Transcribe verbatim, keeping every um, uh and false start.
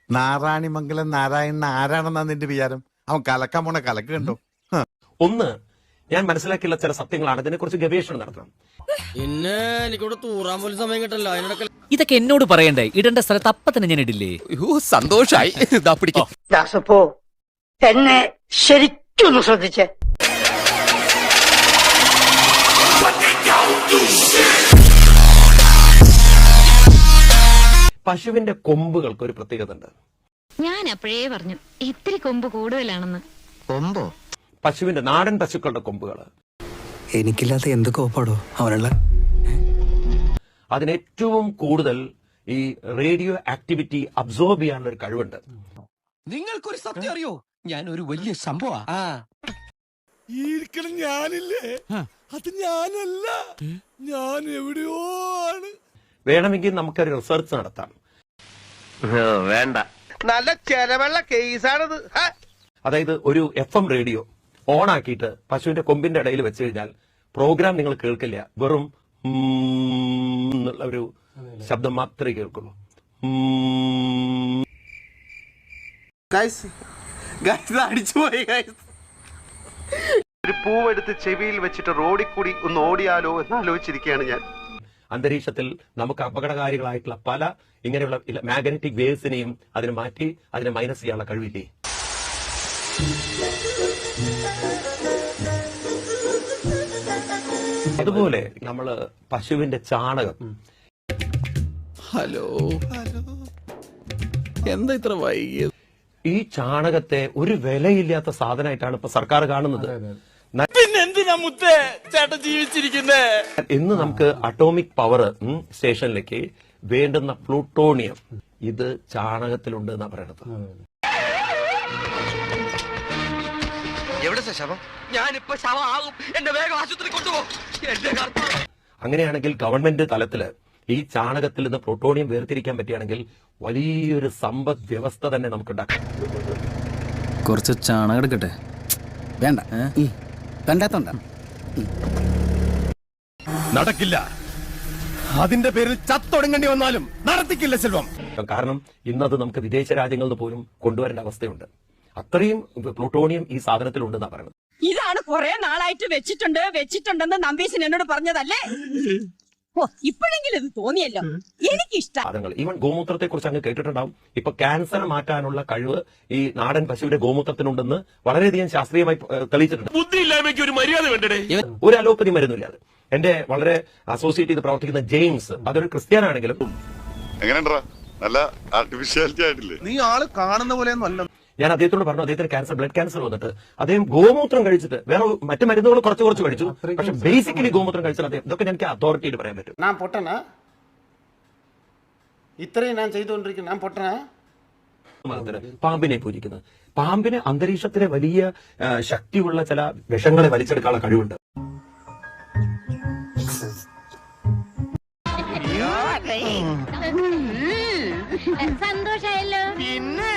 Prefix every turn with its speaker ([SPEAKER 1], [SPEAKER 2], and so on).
[SPEAKER 1] നാരായണിമംഗലം നാരായണൻ ആരാണെന്നാ നിന്റെ വിചാരം? അവൻ കലക്കാൻ പോണ കലക്ക് കണ്ടോ?
[SPEAKER 2] ഒന്ന് ഞാൻ മനസ്സിലാക്കിയുള്ള ചില സത്യങ്ങളാണ്, ഇതിനെക്കുറിച്ച് ഗവേഷണം നടത്തണം.
[SPEAKER 3] പിന്നെ എനിക്കിവിടെ തൂറാൻ പോലും സമയം കിട്ടല്ലോ. അതിനിടയ്ക്ക്
[SPEAKER 4] ഇതൊക്കെ എന്നോട് പറയണ്ടേ? ഇടേണ്ട സ്ഥലത്ത് അപ്പ തന്നെ ഞാൻ ഇടില്ലേ?
[SPEAKER 5] സന്തോഷായി.
[SPEAKER 6] ദാസപ്പോ എന്നെ ശരിക്കൊന്ന് ശ്രദ്ധിച്ചേ.
[SPEAKER 2] പശുവിന്റെ കൊമ്പുകൾക്ക് ഒരു പ്രത്യേകത ഉണ്ട്.
[SPEAKER 7] ഞാൻ അപ്പോഴേ പറഞ്ഞു ഇത്തിരി കൊമ്പ് കൂടുതലാണെന്ന്.
[SPEAKER 5] കൊമ്പോ?
[SPEAKER 2] പശുവിന്റെ നാടൻ പശുക്കളുടെ കൊമ്പുകൾ
[SPEAKER 5] എനിക്കില്ലാത്ത എന്ത് കോപ്പാടോ അവനുള്ള.
[SPEAKER 2] അതിനേറ്റവും കൂടുതൽ ഈ റേഡിയോ ആക്ടിവിറ്റി അബ്സോർബ് ചെയ്യാനുള്ള ഒരു കഴിവുണ്ട്.
[SPEAKER 5] നിങ്ങൾക്കൊരു സത്യം അറിയോ? ഞാൻ ഒരു വലിയ സംഭവ.
[SPEAKER 1] ഞാനില്ലേ, അത് ഞാനല്ല, ഞാൻ എവിടെയോ ആണ്.
[SPEAKER 2] വേണമെങ്കിൽ നമുക്കൊരു റിസർച്ച് നടത്താം.
[SPEAKER 5] വേണ്ട, നല്ല ചെലവുള്ള കേസാണിത്.
[SPEAKER 2] അതായത് ഒരു എഫ് എം റേഡിയോ ഓൺ ആക്കിയിട്ട് പശുവിന്റെ കൊമ്പിന്റെ ഇടയിൽ വെച്ച് കഴിഞ്ഞാൽ പ്രോഗ്രാം നിങ്ങൾ കേൾക്കില്ല, വെറും എന്നുള്ള ഒരു ശബ്ദം മാത്രമേ കേൾക്കുള്ളൂ.
[SPEAKER 5] അടിച്ചുപോയി. ഒരു പൂവെടുത്ത് ചെവിയിൽ വെച്ചിട്ട് റോഡിൽ കൂടി ഒന്ന് ഓടിയാലോ എന്ന് ആലോചിച്ചിരിക്കുകയാണ് ഞാൻ.
[SPEAKER 2] അന്തരീക്ഷത്തിൽ നമുക്ക് അപകടകാരികളായിട്ടുള്ള പല ഇങ്ങനെയുള്ള മാഗ്നറ്റിക് വേവ്സിനെയും അതിനെ മാറ്റി അതിനെ മൈനസ് ചെയ്യാനുള്ള കഴിവില്ലേ? അതുപോലെ നമ്മള് പശുവിന്റെ ചാണകം.
[SPEAKER 5] ഹലോ ഹലോ, എന്താ ഇത്ര വൈകിയത്?
[SPEAKER 2] ഈ ചാണകത്തെ ഒരു വിലയില്ലാത്ത സാധനമായിട്ടാണ് ഇപ്പൊ സർക്കാർ കാണുന്നത്.
[SPEAKER 3] പിന്നെന്തിനാ മുത്തേ ചേട്ടൻ ജീവിച്ചിരിക്കുന്നേ?
[SPEAKER 2] ഇന്ന് നമുക്ക് അറ്റോമിക് പവർ സ്റ്റേഷനിലേക്ക് വേണ്ടുന്ന പ്ലൂട്ടോണിയം ഇത് ചാണകത്തിലുണ്ട് എന്നാ പറയണത്.
[SPEAKER 5] ഞാനിപ്പോ ശവമാകും, എന്റെ വേഗം ആശുപത്രി കൊണ്ടുപോകും.
[SPEAKER 2] അങ്ങനെയാണെങ്കിൽ ഗവൺമെന്റ് തലത്തില് ഈ ചാണകത്തിൽ നിന്ന് പ്ലൂട്ടോണിയം വേർതിരിക്കാൻ പറ്റുകയാണെങ്കിൽ വലിയൊരു സമ്പദ് വ്യവസ്ഥ തന്നെ നമുക്ക് ഉണ്ടാക്കാം.
[SPEAKER 3] കുറച്ച് ചാണകം എടുക്കട്ടെ?
[SPEAKER 5] വേണ്ട, കണ്ടാത്തോണ്ട.
[SPEAKER 1] നടക്കില്ല, അതിന്റെ പേരിൽ ചത്തൊടുങ്ങേണ്ടി വന്നാലും നടത്തിക്കില്ല സെൽവം.
[SPEAKER 2] കാരണം ഇന്നത് നമുക്ക് വിദേശ രാജ്യങ്ങളിൽ നിന്ന് പോലും കൊണ്ടുവരേണ്ട അവസ്ഥയുണ്ട്. അത്രയും പ്ലൂട്ടോണിയം ഈ സാധനത്തിലുണ്ടെന്നാ പറയുന്നത്.
[SPEAKER 8] ഇതാണ് കുറെ നാളായിട്ട് വെച്ചിട്ടുണ്ട് വെച്ചിട്ടുണ്ടെന്ന് നമ്പീശൻ എന്നോട് പറഞ്ഞതല്ലേ? ഓ, ഇപ്പോഴെങ്കിലും ഇത് തോന്നിയല്ലോ. എനിക്കിഷ്ടം.
[SPEAKER 2] ഈവൻ ഗോമൂത്രത്തെ കുറിച്ച് അങ്ങ് കേട്ടിട്ടുണ്ടാവും. ഇപ്പൊ ക്യാൻസർ മാറ്റാനുള്ള കഴിവ് ഈ നാടൻ പശുവിന്റെ ഗോമൂത്രത്തിനുണ്ടെന്ന് വളരെയധികം ശാസ്ത്രീയമായി തെളിയിച്ചിട്ടുണ്ട്.
[SPEAKER 3] ബുദ്ധിയില്ലായ്മയ്ക്ക് ഒരു മര്യാദ വേണ്ടേ?
[SPEAKER 2] ഒരു അലോപ്പതി മരുന്നില്ല. അത് എന്റെ വളരെ അസോസിയേറ്റ് ചെയ്ത് പ്രവർത്തിക്കുന്ന ജെയിംസ്, അതൊരു ക്രിസ്ത്യാനാണെങ്കിലും
[SPEAKER 9] എങ്ങനെയുണ്ടാ, നല്ല ആർട്ടിഫിഷ്യാലിറ്റി ആയിട്ടില്ലേ?
[SPEAKER 5] നീ ആള് കാണുന്ന പോലെയൊന്നും അല്ല.
[SPEAKER 2] ഞാൻ അദ്ദേഹത്തോട് പറഞ്ഞു, അദ്ദേഹത്തിന് ക്യാൻസർ, ബ്ലഡ് ക്യാൻസർ വന്നിട്ട് അദ്ദേഹം ഗോമൂത്രം കഴിച്ചിട്ട് വേറെ മറ്റു മരുന്നുകൾ കുറച്ച് കുറച്ച് കഴിച്ചു, പക്ഷെ ബേസിക്കലി ഗോമൂത്രം കഴിച്ചാൽ അദ്ദേഹം, ഇതൊക്കെ എനിക്ക് അതോറിറ്റിയിൽ പറയാൻ പറ്റും.
[SPEAKER 10] ഞാൻ പൊട്ടനാ? ഇത്രയും ഞാൻ ചെയ്തുകൊണ്ടിരിക്കുന്നു, ഞാൻ പൊട്ടനാ?
[SPEAKER 2] പാമ്പിനെ പൂജിക്കുന്നത്, പാമ്പിന് അന്തരീക്ഷത്തിലെ വലിയ ശക്തിയുള്ള ചില വിഷങ്ങളെ വലിച്ചെടുക്കാനുള്ള കഴിവുണ്ട്.
[SPEAKER 7] സന്തോഷായല്ലോ.